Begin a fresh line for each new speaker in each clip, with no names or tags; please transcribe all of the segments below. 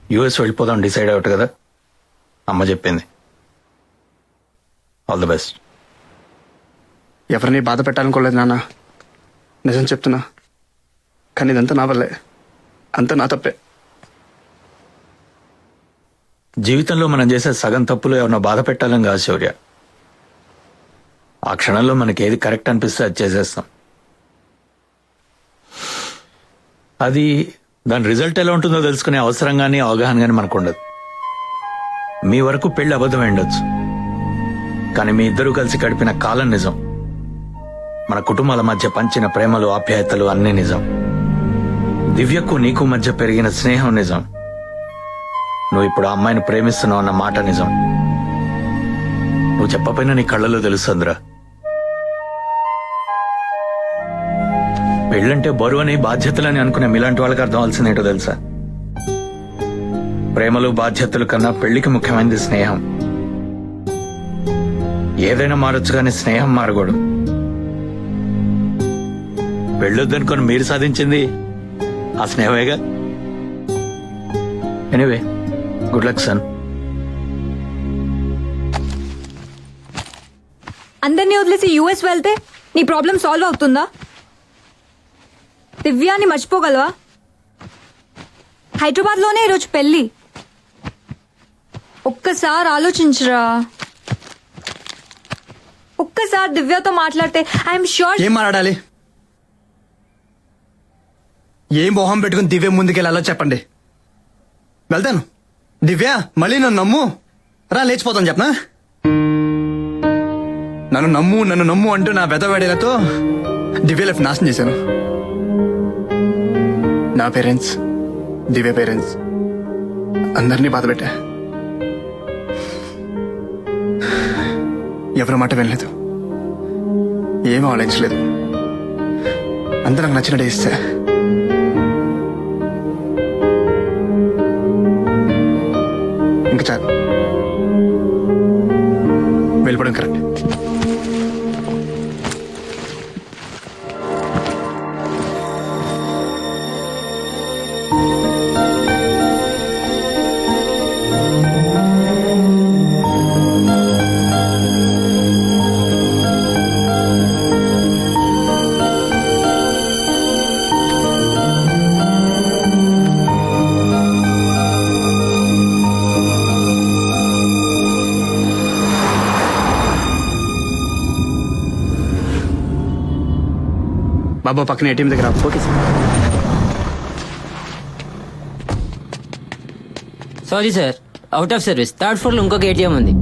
US వెళ్ళిపోదాం decide out కదా, అమ్మ చెప్పింది. All the best.
ఎవరిని బాధ పెట్టాలనుకోలేదు నాన్న, నిజం చెప్తున్నా. కానీ ఇదంతా నా వల్లే, అంతా నా తప్పే.
జీవితంలో మనం చేసే సగం తప్పులు ఎవరినో బాధ పెట్టాలని కాదు శౌర్య. ఆ క్షణంలో మనకి ఏది కరెక్ట్ అనిపిస్తే అది చేసేస్తాం. అది దాని రిజల్ట్ ఎలా ఉంటుందో తెలుసుకునే అవసరం కానీ అవగాహన కానీ మనకు ఉండదు. మీ వరకు పెళ్లి అబద్ధం ఉండొచ్చు, కానీ మీ ఇద్దరూ కలిసి గడిపిన కాలం నిజం. మన కుటుంబాల మధ్య పంచిన ప్రేమలు ఆప్యాయతలు అన్నీ నిజం. దివ్యకు నీకు మధ్య పెరిగిన స్నేహం నిజం. నువ్వు ఇప్పుడు ఆ అమ్మాయిని ప్రేమిస్తున్నావు అన్న మాట నిజం. నువ్వు చెప్పపోయినా నీ కళ్ళలో తెలుస్తుందిరా. పెళ్ళంటే బరువని బాధ్యతలని అనుకునే మీలాంటి వాళ్ళకి అర్థం అవ్వాల్సిందేంటో తెలుసా? ప్రేమలు బాధ్యతలు కన్నా పెళ్లికి ముఖ్యమైనది స్నేహం. ఏదైనా మారొచ్చు కానీ స్నేహం మారకూడదు. పెళ్ళొద్దనుకొని మీరు సాధించింది ఆ స్నేహమేగా. Anyway, good luck son.
అందరినీ వదిలేసి యూఎస్ వెళ్తే నీ ప్రాబ్లం సాల్వ్ అవుతుందా? దివ్యాని మర్చిపోగలవా? హైదరాబాద్ లోనే ఈరోజు పెళ్లి. ఒక్కసారి ఆలోచించరా. ఒక్కసారి దివ్యతో మాట్లాడితే ఐఎమ్ షూర్.
ఏం మాట్లాడాలి? ఏం మొహం పెట్టుకుని దివ్య ముందుకెళ్ళాలో చెప్పండి, వెళ్తాను. దివ్య మళ్ళీ నన్ను నమ్ము రా, లేచిపోతాను చెప్పనా? నన్ను నమ్ము అంటూ నా వెదవేడేలతో దివ్య లైఫ్ నాశనం చేశాను. నా పేరెంట్స్, దివ్య పేరెంట్స్ అందరినీ బాధ పెట్టా. ఎవరి మాట వినలేదు, ఏం ఆలోచించలేదు. అంతా నాకు నచ్చినట్టు ఇస్తా. ఇంకా చాలు, వెళ్ళిపోవడం కరెక్ట్. బాబా పక్కన ఏటీఎం దగ్గర. Okay sir.
Sorry sir, out of service. Third floor లో ఇంకొక ఏటీఎం ఉంది.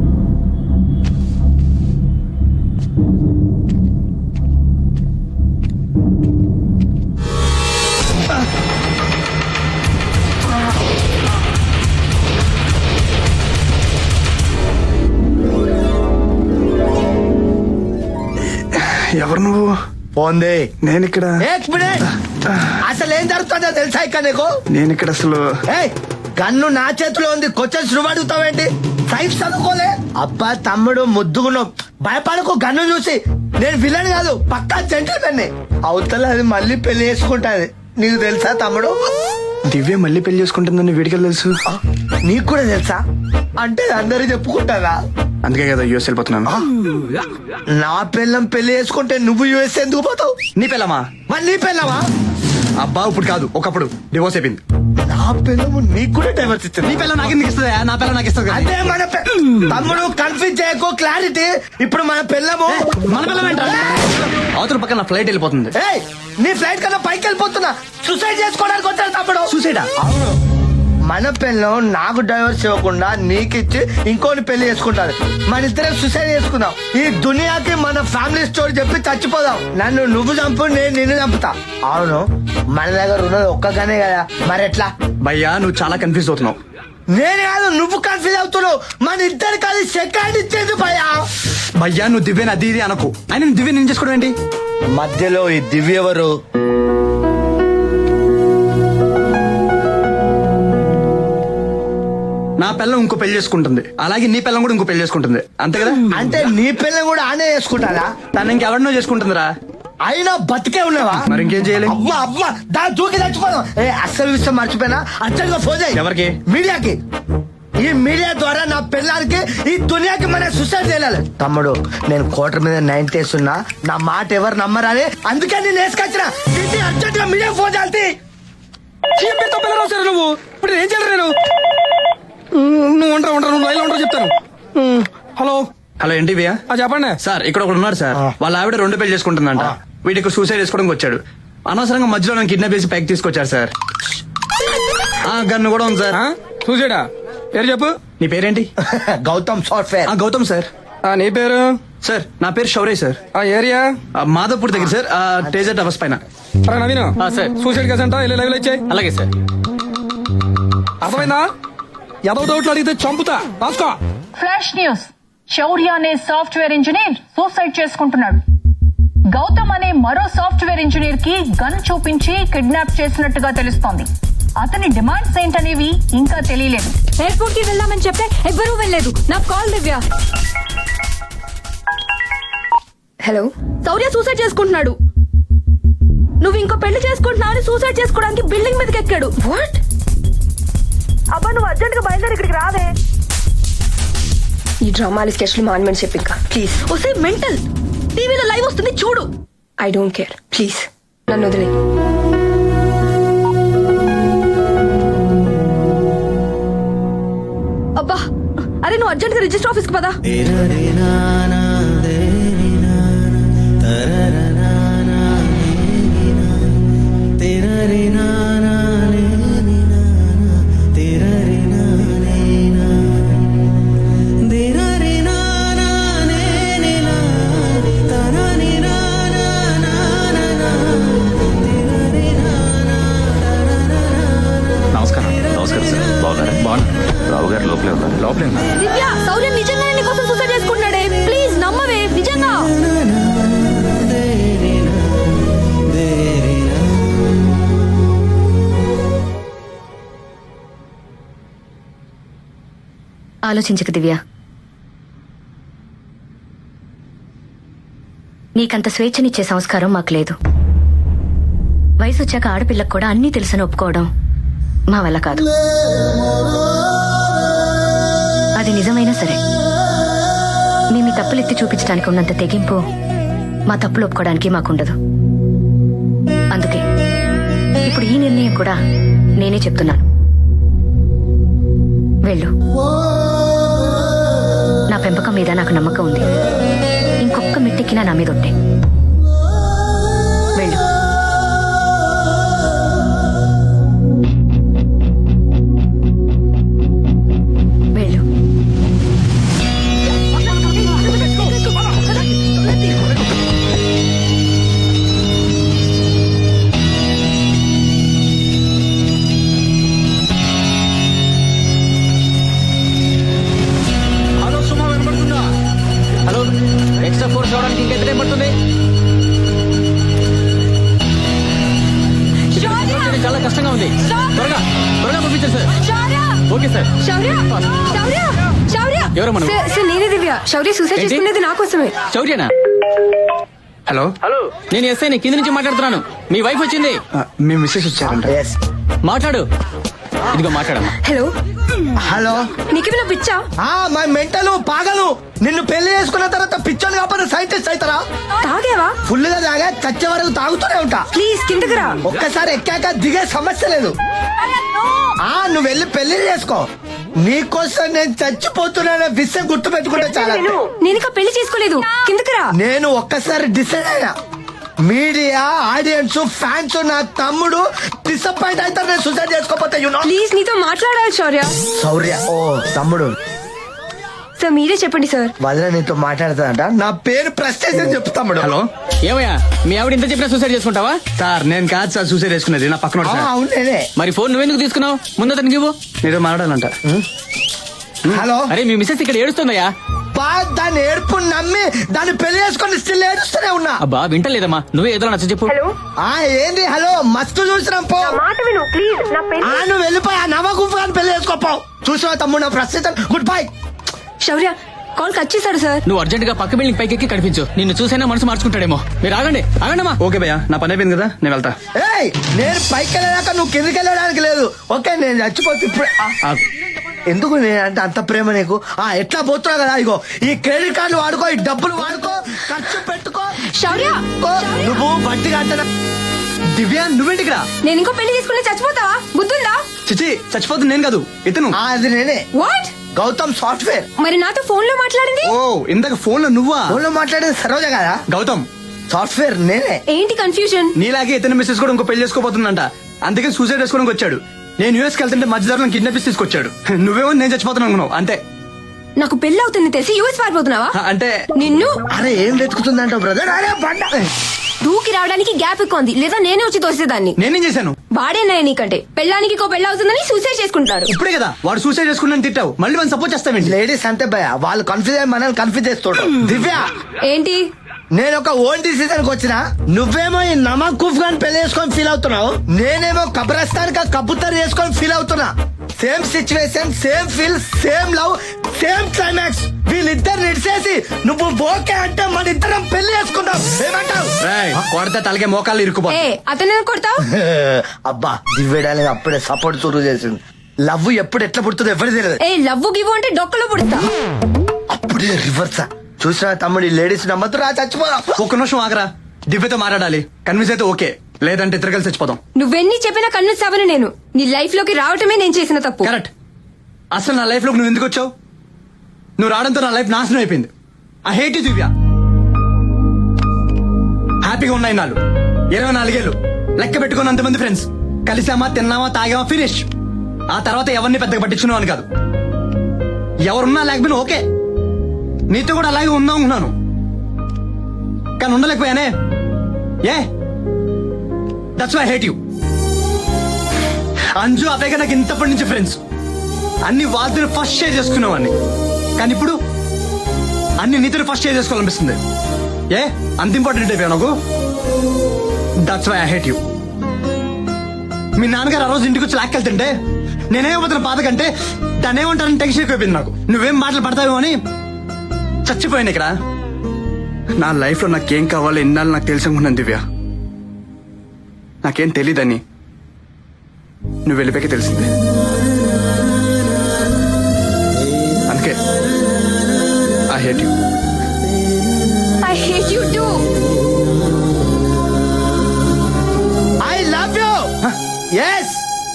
ఎవరు నువ్వు?
పోంది.
నేను ఇక్కడ
అసలు ఏం జరుగుతుందో తెలుసా ఇక్కడ నీకు?
నేను ఇక్కడ అసలు
గన్ను నా చేతిలో ఉంది, క్వశ్చన్స్ నువ్వు అడుగుతావేంటి? సైన్స్ చదువుకోలే? అబ్బా తమ్ముడు ముద్దుగున్నావు, భయపడకు. గన్ను చూసి నేను విలన్ కాదు, పక్కా జెంటిల్మెన్. అవతల అది మళ్ళీ పెళ్లి చేసుకుంటాది, నీకు తెలుసా తమ్ముడు?
దివ్య మళ్ళీ పెళ్లి చేసుకుంటుందని వీడికి తెలుసు.
నీకు కూడా తెలుసా? అంటే అందరూ చెప్పుకుంటారా?
అందుకే కదా యూఎస్ వెళ్ళిపోతున్నాను.
నా పిల్లం పెళ్లి చేసుకుంటే నువ్వు యూఎస్ ఎందుకు పోతావు?
నీ పిల్లమా?
మరి నీ పిల్లవా?
అబ్బా ఇప్పుడు కాదు, ఒకప్పుడు డివోర్స్ అయిపోయింది.
నా పిల్లము నీకు కూడా డైవర్స్ ఇస్తుంది.
నీ పిల్ల నాకు ఎందుకు ఇస్తుందా? నా పిల్ల నాకు ఇస్తుంది.
అదే మన తమ్ముడు, కన్ఫ్యూజ్ చేయకు, క్లారిటీ. ఇప్పుడు మన పిల్లము
మన పిల్ల అవతల పక్కన నా ఫ్లైట్ వెళ్ళిపోతుంది.
నీ ఫ్లైట్ కన్నా పైకి వెళ్ళిపోతున్నా. సూసైడ్ చేసుకోవడానికి వచ్చాడు తమ్ముడు.
సూసైడా?
అవును. మన పిల్లం నాకు డైవర్స్ ఇవ్వకుండా నీకిచ్చి ఇంకోని పెళ్లి చేసుకుంటారు. మన ఇద్దరం సూసైడ్ చేసుకుందాం. ఈ దునియాకి మన ఫ్యామిలీ స్టోరీ చెప్పి చచ్చిపోదాం. నన్ను నువ్వు చంపు, నేను నిన్ను చంపుతా. అవును, మన దగ్గర ఉన్నది ఒక్కగానే కదా, మరి ఎట్లా?
భయ్యా నువ్వు చాలా కన్ఫ్యూజ్ అవుతున్నావు.
నేను కాదు, నువ్వు కన్ఫ్యూజ్ అవుతున్నావు. మన ఇద్దరు కాదు సెకండ్ ఇచ్చేది భయ్యా.
భయ్యా నువ్వు దివ్యని అది ఇది అనకు. ఆయన దివ్య నేను చేసుకోవడం ఏంటి?
మధ్యలో ఈ దివ్య ఎవరు?
నా పిల్లం ఇంకో పెళ్లి చేసుకుంటుంది, అలాగే నీ పిల్లం కూడా ఇంకో పెళ్లి చేసుకుంటుంది, అంతే కదా?
అంటే నీ పిల్లని కూడా ఆనే చేసుకుంటారా?
తను ఇంకెవరినో చేసుకుంటుందిరా.
అయినా బతికే ఉన్నావా?
మరి ఇంకేం చేయాలి?
అవ్వ అవ్వ దాని దూకి చచ్చిపోదాం. అస్సలు విషయం మర్చిపోయినా, అర్జెంట్ గా ఫోన్ చేయి.
ఎవరికి?
మీడియాకి. ఈ మీడియా ద్వారా నా పిల్లలకి ఈ దునియాకి మన సూసైడ్ చేయాలి. తమ్ముడు, నేను కోటర్ మీద 90 వేస్తున్నా, నా మాట ఎవరు నమ్మరని అందుకే నేను వేసుకొచ్చిన. అర్జెంట్ గా మీడియా ఫోన్ చేయాలి.
చీపెతో పిల్లలు వస్తారు నువ్వు. ఇప్పుడు ఏం చేయాలి నేను? నువ్వు ఉంటా నువ్వు లైన్లో ఉంటావు చెప్తాను. హలో హలో ఏంటి భయ్యా? చెప్పండి సార్. ఇక్కడ ఒకడు ఉన్నాడు సార్. వాళ్ళ ఆవిడ 2 పెళ్లి చేసుకుంటుందంట. వీడికి సూసైడ్ చేసుకోవడానికి వచ్చాడు. అనవసరంగా మధ్యలో నన్ను కిడ్నాప్ చేసి పైకి తీసుకొచ్చారు సార్. గన్ను కూడా ఉంది సార్.
చూసాడా? పేరు చెప్పు.
నీ పేరేంటి?
గౌతమ్ సాఫ్ట్వేర్.
గౌతమ్ సార్.
నీ పేరు?
సార్ నా పేరు శౌర్య సార్.
ఆ ఏరియా?
మాధవపూర్ దగ్గర సార్. టేజర్ టవర్స్ పైన.
నవీన్
సార్.
సూసైడ్ కేసు అంట, వెళ్ళి లైవ్ ఇచ్చాయి.
అలాగే సార్.
అర్థమైందా? ఏదో డౌట్లు అడిగితే చంపుతా. రాసుకో.
Flash news. శౌర్య అనే సాఫ్ట్వేర్ ఇంజనీర్ సూసైడ్ చేసుకుంటున్నాడు. గౌతమ్ అనే మరో సాఫ్ట్వేర్ ఇంజనీర్ కి గన్ చూపించి కిడ్నాప్ చేసినట్టుగా తెలుస్తోంది. అతని డిమాండ్స్ ఏంటనేవి ఇంకా తెలియలేదు.
ఎయిర్పోర్ట్ కి వెళ్దామని చెప్తే ఎవ్వరూ వెళ్ళలేదు. నాకు call Divya. Hello, Shaurya suicide చేసుకుంటున్నాడు. నువ్వు ఇంకో పెళ్లి చేసుకుంటున్నావు అని సూసైడ్ చేసుకోవడానికి బిల్డింగ్ మీదకి ఎక్కాడు. వాట్? అబ్బా, నువ్వు అర్జెంట్ గా బయలుదేరి ఇక్కడికి రావే.
ఈ డ్రామాలు స్కెచ్లు మాన్మెంట్ చెప్పి ఇంకా ప్లీజ్.
వస్తే మెంటల్. టీవీలో లైవ్ వస్తుంది చూడు.
ఐ డోంట్ కేర్, ప్లీజ్ నన్ను వదిలే.
అబ్బా, అరే నువ్వు అర్జెంట్ గా రిజిస్టర్ ఆఫీస్ కి పదా.
నమస్కారం సార్. బాగున్నారా? బాగున్నా. రావు గారు లోపలే ఉన్నారు. లోపలే ఉన్నారు.
దివ్య, శౌర్య నిజంగానే నీ కోసం సూసైడ్ చేసుకుంటున్నాడే. ప్లీజ్ నమ్మవే, నిజంగా.
ఆలోచించకు దివ్య. నీకంత స్వేచ్ఛనిచ్చే సంస్కారం మాకు లేదు. వయసు వచ్చాక ఆడపిల్లకు కూడా అన్నీ తెలుసని ఒప్పుకోవడం మా వల్ల కాదు. అది నిజమైనా సరే మేము మీ తప్పులు ఎత్తి చూపించడానికి ఉన్నంత తెగింపు మా తప్పులు ఒప్పుకోవడానికి మాకుండదు. అందుకే ఇప్పుడు ఈ నిర్ణయం కూడా నేనే చెప్తున్నాను. వెళ్ళు. నా పెంపకం మీద నాకు నమ్మకం ఉంది. ఇంకొక్క మిట్టెక్కినా నా మీద ఉంటే వెళ్ళు. వెళ్ళు.
హలో సుమా, వినపడుతుందా?
హలో, ఎక్స్ట్రా ఫోర్స్ రావడానికి ఇంకా ఎంత టైం పడుతుంది? చాలా కష్టంగా ఉంది. త్వరగా త్వరగా పంపించండి sir.
Shaurya,
okay sir.
Shaurya, Shaurya, Shaurya.
ఎవరు మనం?
సార్ నేనే దివ్య. శౌర్య సూసైడ్
ఏంటి?
చేసుకునేది నా కోసమే.
శౌర్యనా?
హలో
నేను ఎస్ఐ కింద నుంచి మాట్లాడుతున్నాను. మీ వైఫ్ వచ్చింది.
మీ మిస్సెస్ వచ్చారంట.
ఎస్.
మాట్లాడు. ఇదిగో మాట్లాడమ్మా.
Hello,
hello.
నీకేమైనా పిచ్చా?
మా మెంటలు పాగలు. నిన్ను పెళ్లి చేసుకున్న తర్వాత పిచ్చోని కాకపోతే సైంటిస్ట్ అవుతారా?
తాగేవా?
ఫుల్ గా తాగా చచ్చే వరకు తాగుతూనే ఉంటా.
ప్లీజ్ కిందకి రా.
ఒక్కసారి ఎక్కాక దిగే సమస్య లేదు. నువ్వు వెళ్ళి పెళ్లి చేసుకో. నీకోసం నేను చచ్చిపోతున్నా విషయం గుర్తు పెట్టుకుంటే చాలా.
నేను ఇంకా పెళ్లి చేసుకోలేదు. కిందకి రా.
నేను ఒక్కసారి డిసైడ్ అయినా. మీడియా, ఆడియన్స్, ఫ్యాన్స్, నా తమ్ముడు డిసప్పాయింట్ అవుతారు నేను సూసైడ్ చేసుకోపోతే.
ప్లీజ్ నీతో మాట్లాడాలి శౌర్య.
శౌర్య, ఓ తమ్ముడు.
సార్ మీరే చెప్పండి సార్.
వదిన నీతో మాట్లాడతానంట. నా పేరు ప్రెస్టేజ్ అని చెప్పు తమ్ముడు.
హలో
ఏమయ్యా, మీ ఆవిడ ఇంత చెప్పినా సూసైడ్ చేసుకుంటావా?
సార్ నేను కాదు సార్ సూసైడ్ చేసుకునేది. నా పక్కన
ఆ, అవును నేనే.
మరి ఫోన్ నువ్వెందుకు తీసుకున్నావు? ముందు అతనికి ఇవ్వు.
మీరు మాట్లాడాలంట.
హలో.
అరే మీ మిస్సెస్ ఇక్కడ ఏడుస్తుందయ్యా.
దాన్ని ఏడుపు నమ్మి దాన్ని పెళ్లి చేసుకొని స్టిల్ ఏడుస్తూనే ఉన్నా.
అబ్బా వింటలేదమ్మా. నువ్వే ఏదో నచ్చ చెప్పు.
ఏంది హలో, మస్తు చూసినాం పో.
మాట విను ప్లీజ్. నా పెళ్లి.
నువ్వు వెళ్ళిపోయా నవగుప్పు కానీ పెళ్లి చేసుకోపో. చూసినా తమ్ముడు నా ప్రస్తుతం. Good bye.
Shaurya call cut చేశాడు సార్.
నువ్వు అర్జెంట్ గా పక్క బిల్డింగ్ పైకి ఎక్కి కనిపించు. నిన్ను చూసైనా మనసు మార్చుకుంటాడేమో. మీరు ఆగండి ఆగండమ్మా. ఓకే భయ్యా, నా పని అయిపోయింది కదా, నేను వెళ్తా.
ఏయ్, నేను పైకి వెళ్ళాక నువ్వు కిందకి వెళ్ళడానికి లేదు. ఓకే, నేను చచ్చిపోతే ఇప్పుడు ఎందుకు నేనంటే అంత ప్రేమ నీకు? ఎట్లా పోతున్నావు కదా, ఇగో ఈ క్రెడిట్ కార్డులు వాడుకో, ఈ డబ్బులు వాడుకో, ఖర్చు పెట్టుకో.
శౌర్య,
నువ్వు బట్టి కట్ట.
దివ్య నువ్వేంటి ఇక్కడ?
నేను ఇంకో పెళ్లి చేసుకుంటే చచ్చిపోతావా? బుద్ధుందా?
చిచి, చచ్చిపోతుంది నేను కాదు, ఇతను.
అది నేనే,
వాట్?
గౌతమ్ సాఫ్ట్వేర్.
మరి నాతో ఫోన్ లో మాట్లాడింది?
ఓ, ఇందాక ఫోన్ లో నువ్వా?
ఫోన్ లో మాట్లాడేది సరోజ కదా.
గౌతమ్
సాఫ్ట్వేర్ నేనే.
ఏంటి కన్ఫ్యూజన్?
నీలాగే ఇతని మిస్సెస్ కూడా ఇంకో పెళ్లి చేసుకోబోతుందంట. అందుకే సూసైడ్ చేసుకోవడానికి వచ్చాడు. నేను యూఎస్ కి వెళ్తుంటే మధ్యదారులను కిడ్నాప్ చేసి తీసుకొచ్చాడు. నువ్వేమో నేను చచ్చిపోతాను అనుకున్నావు అంతే.
నాకు పెళ్లి అవుతుంది తెలిసి యూఎస్ పారిపోతున్నావా?
అంటే
నిన్ను
అరే ఏం వెతుకుతుందంట బ్రదర్? అరే బండ
దూకి రావడానికి గ్యాప్ ఎక్కువ ఉంది, లేదా నేనే వచ్చి తోసేదాన్ని.
నేనేం చేశాను?
వాడేనాయ నీకంటే పెళ్ళానికి ఇంకో పెళ్ళి అవుతుందని సూసైడ్ చేసుకుంటారు.
ఇప్పుడే కదా వాడు సూసైడ్ చేసుకున్నాను తిట్టావు, మళ్ళీ మనం సపోర్ట్ చేస్తావేంటి?
లేడీస్ అంతే భయ, వాళ్ళు కన్ఫ్యూజ్ అయ్యి మనల్ని కన్ఫ్యూజ్ చేస్తుంటారు. దివ్య,
ఏంటి?
నేను ఒక ఓన్ డిసిజన్ కి వచ్చిన. నువ్వేమో ఈ నమకూఫ్ గాని పెళ్లి చేసుకొని ఫీల్ అవుతున్నావు, నేనేమో కబ్రస్తాన్ కా కబూతర్ చేసుకొని ఫీల్ అవుతున్నా. Same situation, same feel, same love, same climax. వీళ్ళిద్దరు నిడిసేసి నువ్వు ఓకే అంటే మన ఇద్దరం పెళ్లి చేసుకుందాం. ఏమంటావు?
కొడితే తలకే మోకాళ్ళు ఇరుక్కుపో.
ఏ అతను కొడతావు?
అబ్బా, దివ్యడానికి అప్పుడే సపోర్ట్ చురువు చేసింది. లవ్ ఎప్పుడు ఎట్లా పుడుతుందో ఎవరు తెలియదు.
ఏ లవ్వు గివ్వు అంటే డొక్కలో పుడతా.
అప్పుడే రివర్సా. చూసిన తమ్ముడు, లేడీస్ నమ్మద్దు, రా చచ్చిపోదా.
ఒక్క నిమిషం ఆగరా, దివ్యతో మాట్లాడాలి. కన్విన్స్ అయితే ఓకే, లేదంటే ఇద్దరు కలిసి చచ్చిపోదాం.
నువ్వెన్ని చెప్పినా కన్విన్స్ అవ్వను నేను. నీ లైఫ్ లోకి రావటమే నేను చేసిన తప్పు.
కరెక్ట్. అసలు నా లైఫ్ లోకి నువ్వు ఎందుకు వచ్చావు? నువ్వు రావడంతో నా లైఫ్ నాశనం అయిపోయింది. I hate you Divya. హ్యాపీగా ఉన్నాయి నాలు 24 ఏళ్ళు, లెక్క పెట్టుకుని మంది ఫ్రెండ్స్, కలిసామా, తిన్నామా, తాగామా, ఫినిష్. ఆ తర్వాత ఎవరిని పెద్దగా పట్టించుకున్నావు అని కాదు. ఎవరున్నా లేకపోయినా ఓకే, నీతో కూడా అలాగే ఉందాం అనుకున్నాను, కానీ ఉండలేకపోయానే. ఏ that's why I hate you. Anju అవేగా నాకు ఇంతప్పటి నుంచి ఫ్రెండ్స్. అన్ని వాళ్ళతో ఫస్ట్ షేర్ చేసుకునేవాడిని, కానీ ఇప్పుడు అన్ని నీతో ఫస్ట్ షేర్ చేసుకోవాలనిపిస్తుంది. ఏ అంత ఇంపార్టెంట్ అయిపోయా నాకు. That's why I hate you. మీ నాన్నగారు ఆ రోజు ఇంటికి వచ్చి లాక్కెళ్తుంటే నేనేమవుతున్న బాధ కంటే దాన్ని ఏమంటారని టెన్షన్ ఎక్కువైపోయింది నాకు. నువ్వేం మాటలు పడతావేమో అని చచ్చిపోయాను ఇక్కడ. నా లైఫ్ లో నాకేం కావాలో ఎన్నాళ్ళు నాకు తెలిసి అనుకున్నాను దివ్య. నాకేం తెలీదని నువ్వు వెళ్ళిపోయాక తెలిసింది. అందుకే I hate you.
I hate you too.
I love you. Yes,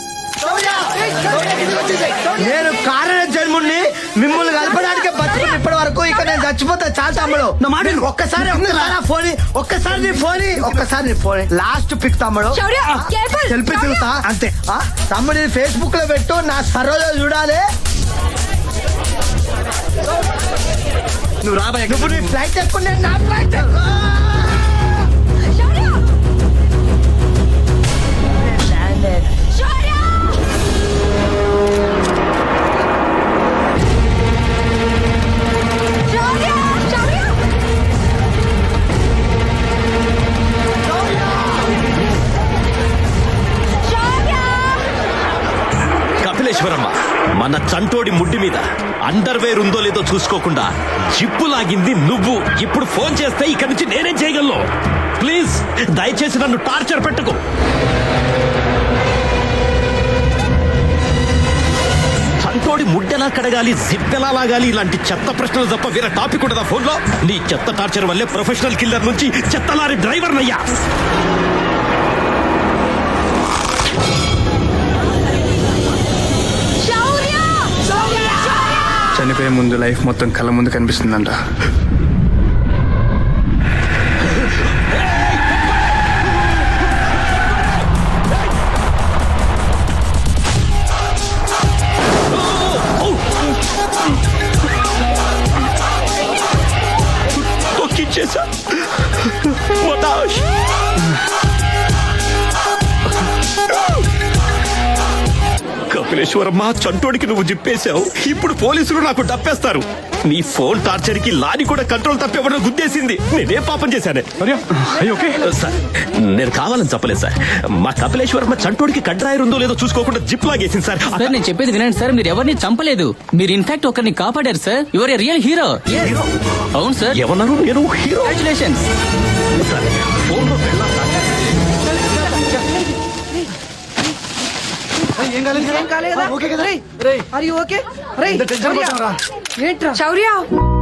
నేను కారణ జన్ముడిని, మిమ్మల్ని కలపడానికి బతుకుని ఇప్పటి వరకు. ఇక నేను చచ్చిపోతా చాలు తమ్ముడు. ఒక్కసారి నీ ఫోన్ లాస్ట్ పిక్ తమ్ముడు.
శౌర్య, careful.
సెల్ఫీ తిరుగుతా అంతే. తమ్ముడు ఫేస్బుక్ లో పెట్టు, నా సరోలో చూడాలి.
నువ్వు రాబాయ్.
నువ్వు నీ ఫ్లైట్ ఎక్కుండే, నా ఫ్లైట్
శౌర్య! శౌర్య! శౌర్య! శౌర్య! శౌర్య!
కపిలేశ్వరమ్మ, మన చంటోడి ముడ్డి మీద అండర్వేర్ ఉందో లేదో చూసుకోకుండా జిప్పు లాగింది నువ్వు. ఇప్పుడు ఫోన్ చేస్తే ఇక్కడి నుంచి నేనేం చేయగలను? ప్లీజ్ దయచేసి నన్ను టార్చర్ పెట్టుకో. చంటోడి ముడ్డెలా కడగాలి, జిప్పెలా లాగాలి, ఇలాంటి చెత్త ప్రశ్నలు తప్ప వేరే టాపిక్ ఉండదా ఫోన్లో? నీ చెత్త టార్చర్ వల్లే ప్రొఫెషనల్ కిల్లర్ నుంచి చెత్త లారీ డ్రైవర్ నయ్యా.
చనిపోయే ముందు లైఫ్ మొత్తం కళ్ళ ముందు కనిపిస్తుందంట.
తొక్కిచ్చేసా. మతాష్. కపిల్ కపిలేశ్వరమ్మ, చంటోడికి నువ్వు జిప్పేశావు. ఇప్పుడు పోలీసులు నాకు డప్పేస్తారు. నీ ఫోన్ టార్చర్ కి లాని కూడా కంట్రోల్ తప్పేవడం గుద్దేసింది. నేనే పాపం చేశానే. సార్, నేను కావాలని చెప్పలేదు సార్. మా కపిలేశ్వరమ్మ చంటోడికి కడ్రాయర్ ఉందో లేదో చూసుకోకుండా జిప్ లాగేసింది సార్.
సార్ నేను చెప్పేది వినండి సార్, మీరు ఎవరిని చంపలేదు. మీరు ఇన్ఫాక్ట్ ఒకరిని కాపాడారు సార్. You're a real hero. అవును సార్.
ఏమన్నారు? నేను హీరో.
కంగ్రాచులేషన్స్.
సార్, ఫోన్లో పెళ్ళాం సార్.
శౌర్య